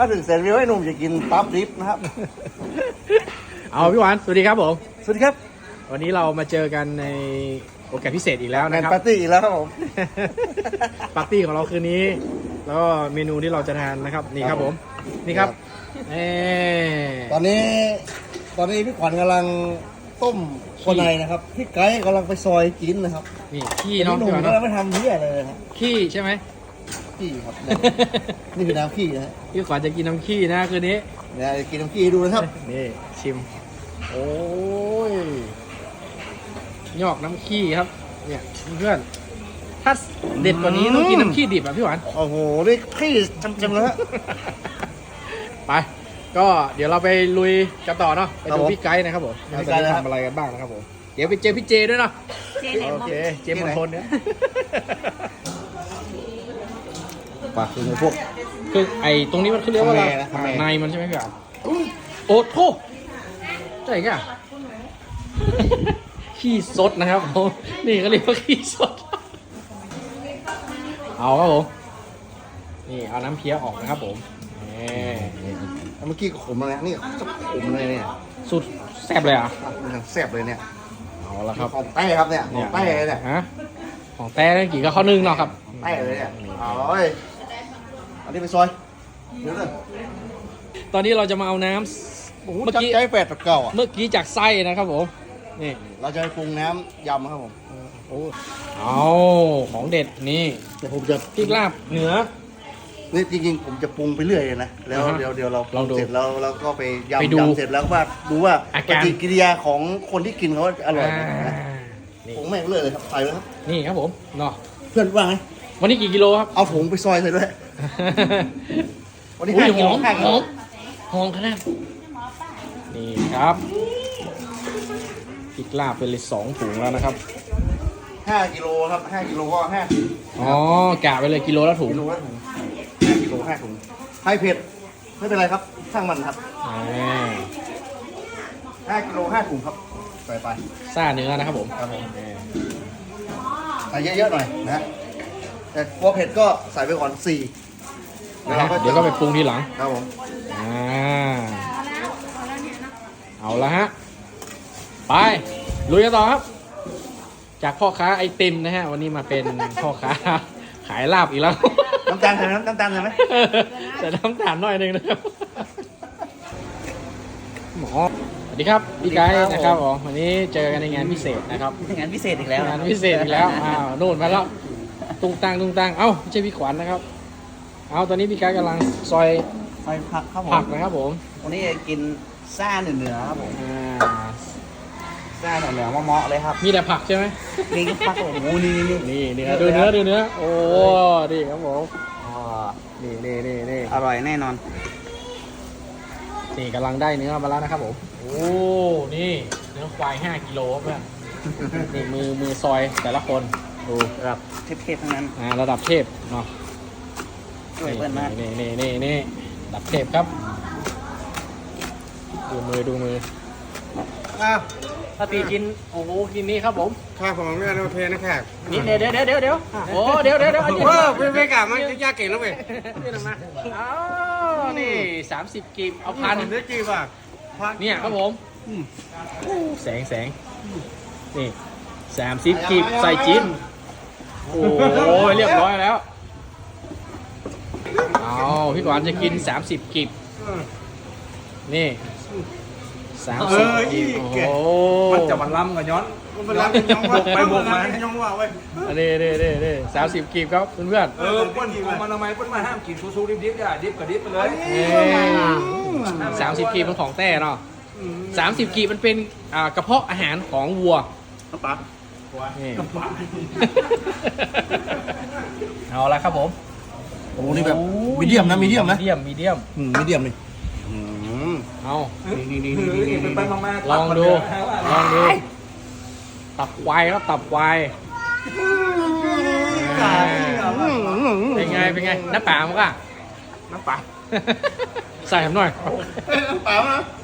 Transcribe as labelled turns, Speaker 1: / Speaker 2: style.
Speaker 1: ถ้าถึงแสนวิวให้หนุ่มจะกินตับดิบนะครับ
Speaker 2: เอาพี่หวานสวัสดีครับผม
Speaker 1: สวัสดีครับ
Speaker 2: วันนี้เรามาเจอกันในโอกาสพิเศษอีกแล้ว
Speaker 1: แม
Speaker 2: นะ
Speaker 1: น
Speaker 2: ครับ
Speaker 1: ปาร์ตี้อีกแล้วครับผม
Speaker 2: ปาร์ตี้ของเราคืนนี้ แล้วก็เมนูที่เราจะทานนะครับนี่ครับผมนี่ครับเอ
Speaker 1: ตอนนี้พี่ขวัญกำลังต้มคนในนะครับพี่ไก่กำลังไปซอยกินนะครับ
Speaker 2: นี่ขี้
Speaker 1: พี่
Speaker 2: เน้อง
Speaker 1: หนุ่
Speaker 2: พี่
Speaker 1: ม
Speaker 2: หวาน
Speaker 1: ก็
Speaker 2: เนอะ
Speaker 1: ไม่ทำเหี้ยอะไรเลยครับ
Speaker 2: ขี้ใช่ไหม
Speaker 1: ขี้ครับ นี่คือน้ำขี้นะฮะ
Speaker 2: พี่ขวัญจะกินน้ำขี้นะคืนนี้
Speaker 1: เนี่ยกินน้ำขี้ให้ดูนะครับ
Speaker 2: นี่ชิมโอ้ยยอกน้ำขี้ครับเนี่ยเพื่อนถ้าเด็ดกว่านี้ต้องกินน้ำขี้ดิบอ่ะพี่หวาน
Speaker 1: โอ้โหนี่ขี้จำๆแล้วฮะ
Speaker 2: ไปก็เดี๋ยวเราไปลุยกันต่อเนาะไป
Speaker 1: ครับ
Speaker 2: ดู
Speaker 1: ผม
Speaker 2: พี่ไกด์นะครับผม
Speaker 1: พี่
Speaker 2: เรา
Speaker 1: ไกด์
Speaker 2: จะ
Speaker 1: นะครับ
Speaker 2: ทำอะไรกันบ้างนะครับผมเดี๋ยวไปเจอพี่เจด้วยเนาะ
Speaker 3: เจไหน
Speaker 2: โอ
Speaker 3: มอง
Speaker 2: เคเจมณฑลเนี่ย
Speaker 1: ปากคือพวก
Speaker 2: คือไอ้ตรงนี้มันคือเรียกว่าอะไร
Speaker 1: ทำไมนะ
Speaker 2: ในมันใช่ไหมพี่อ่ะโอ้โทใช่แก่ขี้สดนะครับผมนี่ก็เรียกว่าขี้สดเอาครับผมนี่เอาน้ำเพี้ยออกนะครับผมนี่
Speaker 1: เมื่อกี้ขมเลยนะนี่จะขมเลยเนี่ย
Speaker 2: สุดแซ่บเลยอ่ะ
Speaker 1: มันแซ่บเลยเนี่ย
Speaker 2: เอาละครับ
Speaker 1: ของแต้ครับเนี่ยของแต้เลยเนี่ย
Speaker 2: ฮะของแต้กี่ก็ข้อนึงเนาะครับ
Speaker 1: แต้เลยเนี่ยเอาเลยอันนี้ไปซอยเดี๋ยวเลย
Speaker 2: ตอนนี้เราจะมาเอาน้ำ
Speaker 1: โอ้โห
Speaker 2: เมื่อกี้
Speaker 1: ใจแปดตะเก่าอ่ะ
Speaker 2: เมื่อกี้จากไส้นะครับผมนี่
Speaker 1: เราจะไปปรุงน้ำยำครับผม
Speaker 2: โอ้เอาของเด็ดนี่
Speaker 1: เดี๋ยวผมจะ
Speaker 2: พริกลาบเหนือ
Speaker 1: นี่จริงๆผมจะปรุงไปเรื่อยเลยนะแล้ว
Speaker 2: อ่าฮะ
Speaker 1: เดี๋ยวเราป
Speaker 2: ล
Speaker 1: รุ
Speaker 2: อง
Speaker 1: ง
Speaker 2: ดู
Speaker 1: เสร็จแล้วเราก็ไป
Speaker 2: ไป
Speaker 1: ยำ
Speaker 2: ดู
Speaker 1: ยำเสร็จแล้วว่าดูว่า
Speaker 2: อา
Speaker 1: ป
Speaker 2: การ
Speaker 1: ฏิกิริยาของคนที่กินเขาอร่อยไหมนะ
Speaker 2: นี่
Speaker 1: ปรุงแม่งเลยครับใส่เลยครับ
Speaker 2: นี่ครับผมเนาะ
Speaker 1: เพื่อนว่าไง
Speaker 2: วันนี้กี่กิโลครับ
Speaker 1: เอาถุงไปซอยใส่ด้วยวันนี้
Speaker 2: อุ้ย
Speaker 1: 5
Speaker 2: ห
Speaker 1: กิ
Speaker 2: อ
Speaker 1: โล
Speaker 2: ม
Speaker 1: 5กิ
Speaker 2: ห
Speaker 1: โล
Speaker 2: อมหอมขนาดนี่ครับพริกลาบเป็นเลย2 ถุงแล้วนะครับ
Speaker 1: 5 กิโลครับ5 กิโลก็5
Speaker 2: อ๋อกะไปเลยกิโลละถุง
Speaker 1: กิโลละถุง5 กิโล5 ถุงให้เผ็ดไม่เป็นไรครับช่างมันครับ
Speaker 2: อ่า
Speaker 1: 5 กิโล5 ถุงครับใส่ไป
Speaker 2: ซ่าเนื้อนะครับผม
Speaker 1: ครับผมใส่เยอะๆหน่อยนะฮะแต่กลัวเผ็ดก็ใส่ไปก่อน4
Speaker 2: นะฮะเดี๋ยวก็ไปปรุงทีหลัง
Speaker 1: ครับผม
Speaker 2: อ่าเอาละฮะไปลุยกันต่อครับ จากพ่อค้าไอติมนะฮะวันนี้มาเป็นพ่อค้าขายลาบอีกแล้ว
Speaker 1: น้ำตาลใส่ไหมน้ำตาลใส่ไหม
Speaker 2: แต่น้ำตาลหน่อยหนึงนะครับหมอสวัสดีครับพี่ไกด์นะครับผมวันนี้เจอกันในงานพิเศษนะครับ
Speaker 3: งานพิเศษอีกแล้ว
Speaker 2: งานพิเศษอีกแล้วอ้าวโน่นมาแล้วตุ้งตังเอ้าไม่ใช่พี่ขวัญนะครับเอาตอนนี้พี่ไกด์กำลังซอย
Speaker 3: ซอยผักครับผ
Speaker 2: ผั
Speaker 3: ม
Speaker 2: กนะครับผม
Speaker 3: วันนี้จะกินซ่าเหนือๆครับผม
Speaker 2: อ่า
Speaker 3: ซ่าเหนือๆเหมาะๆเลยครับ
Speaker 2: มีแต่ผักใช่ไหม
Speaker 3: นี่ผักโอ้โหนี่
Speaker 2: นี่เนื้อดูเนื้อโอ้ดีครับผม
Speaker 3: อ๋อ
Speaker 2: นี่
Speaker 3: อร่อยแน่นอน
Speaker 2: นี่กำลังได้เนื้อมาแล้วนะครับผมโอ้นี่เนื้อควาย5 กิโลครับเพื่อนนี่มือซอยแต่ละคนดู
Speaker 3: ระดับเทพๆทั้งนั้น
Speaker 2: ระดับเทพเนาะ
Speaker 3: ช่วยเพื่อนมาก
Speaker 2: นี่ระดับเทพครับดูมืออ้าวถ้าตีกินโอ้โหกินนี่ครับผม
Speaker 4: ข้าของเรื่องโอเคนะแขก
Speaker 2: นี่เดี๋ยวโอ้เดี๋ยวอันนี้
Speaker 4: ไม่กลับมันยากเก่งแล้วเว้ย
Speaker 2: นี่นะมาอ้าวนี่30 กีบเอาพัน
Speaker 4: ผมได้จีบอ่ะ
Speaker 2: เนี่ยครับผมแสงนี่30 กีบใส่จิ้นโอ้ยเรียบร้อยแล้วเอาพี่กวานจะกิน30 กีบนี่30 กีบโอ้โห
Speaker 4: มันจะมันล้ำกับย้อนมันล้ำกันย้อนว่าไปบวกมาย้อนว่าเว้ย
Speaker 2: นี่30 กีบครับเพื่อน
Speaker 4: เปิ้ลของมันทำไมเปิ้ลมาห้ามกินซูดิบๆอย่าดิบกับดิบไปเลย
Speaker 2: ๆ30 กีบเป็นของแต้เนาะ30 กีบมันเป็นกระเพาะอาหารของวัว
Speaker 1: ปั๊บ
Speaker 2: นี่เอาละครับผม
Speaker 1: โอ้นี่แบบมีเดียมนะมีเดียมนะ
Speaker 2: มีเดียม
Speaker 1: มีเดียมนี่
Speaker 2: เอา
Speaker 4: นี่เป็นปั้นมา
Speaker 2: ลองดูตับควายครับตับควายเป็นไงน้ำปลามั้งอ่ะ
Speaker 4: น้ำปลา
Speaker 2: ใส่ผมหน่อย
Speaker 1: เปล่านะ